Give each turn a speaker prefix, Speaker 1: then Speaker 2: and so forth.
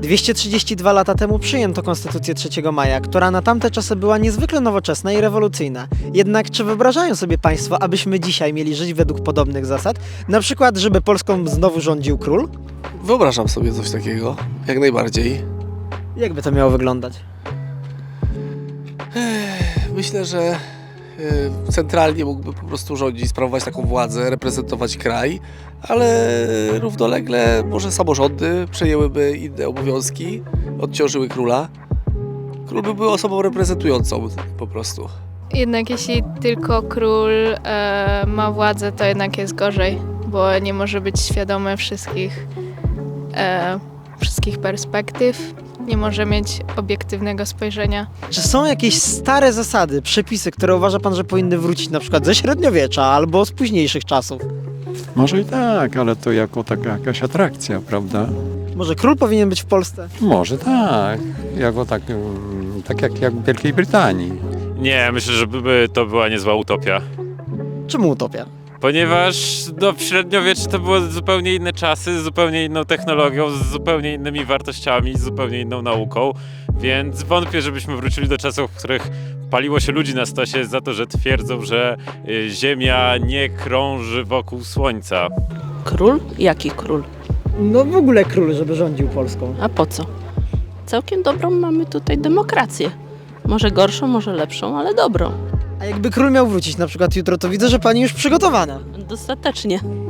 Speaker 1: 232 lata temu przyjęto Konstytucję 3 maja, która na tamte czasy była niezwykle nowoczesna i rewolucyjna. Jednak czy wyobrażają sobie Państwo, abyśmy dzisiaj mieli żyć według podobnych zasad? Na przykład, żeby Polską znowu rządził król?
Speaker 2: Wyobrażam sobie coś takiego, jak najbardziej.
Speaker 1: Jakby to miało wyglądać?
Speaker 2: Myślę, że centralnie mógłby po prostu rządzić, sprawować taką władzę, reprezentować kraj, ale równolegle może samorządy przejęłyby inne obowiązki, odciążyły króla. Król by był osobą reprezentującą po prostu.
Speaker 3: Jednak jeśli tylko król ma władzę, to jednak jest gorzej, bo nie może być świadomy wszystkich perspektyw, nie może mieć obiektywnego spojrzenia.
Speaker 1: Czy są jakieś stare zasady, przepisy, które uważa Pan, że powinny wrócić na przykład ze średniowiecza albo z późniejszych czasów?
Speaker 4: Może i tak, ale to jako taka jakaś atrakcja, prawda?
Speaker 1: Może król powinien być w Polsce?
Speaker 4: Może tak, jako tak jak w Wielkiej Brytanii.
Speaker 5: Nie, myślę, że to była niezła utopia.
Speaker 1: Czemu utopia?
Speaker 5: Ponieważ w średniowieczu to były zupełnie inne czasy, z zupełnie inną technologią, z zupełnie innymi wartościami, z zupełnie inną nauką, więc wątpię, żebyśmy wrócili do czasów, w których paliło się ludzi na stosie za to, że twierdzą, że Ziemia nie krąży wokół Słońca.
Speaker 6: Król? Jaki król?
Speaker 1: No w ogóle król, żeby rządził Polską.
Speaker 6: A po co? Całkiem dobrą mamy tutaj demokrację. Może gorszą, może lepszą, ale dobrą.
Speaker 1: A jakby król miał wrócić na przykład jutro, to widzę, że Pani już przygotowana.
Speaker 6: Dostatecznie.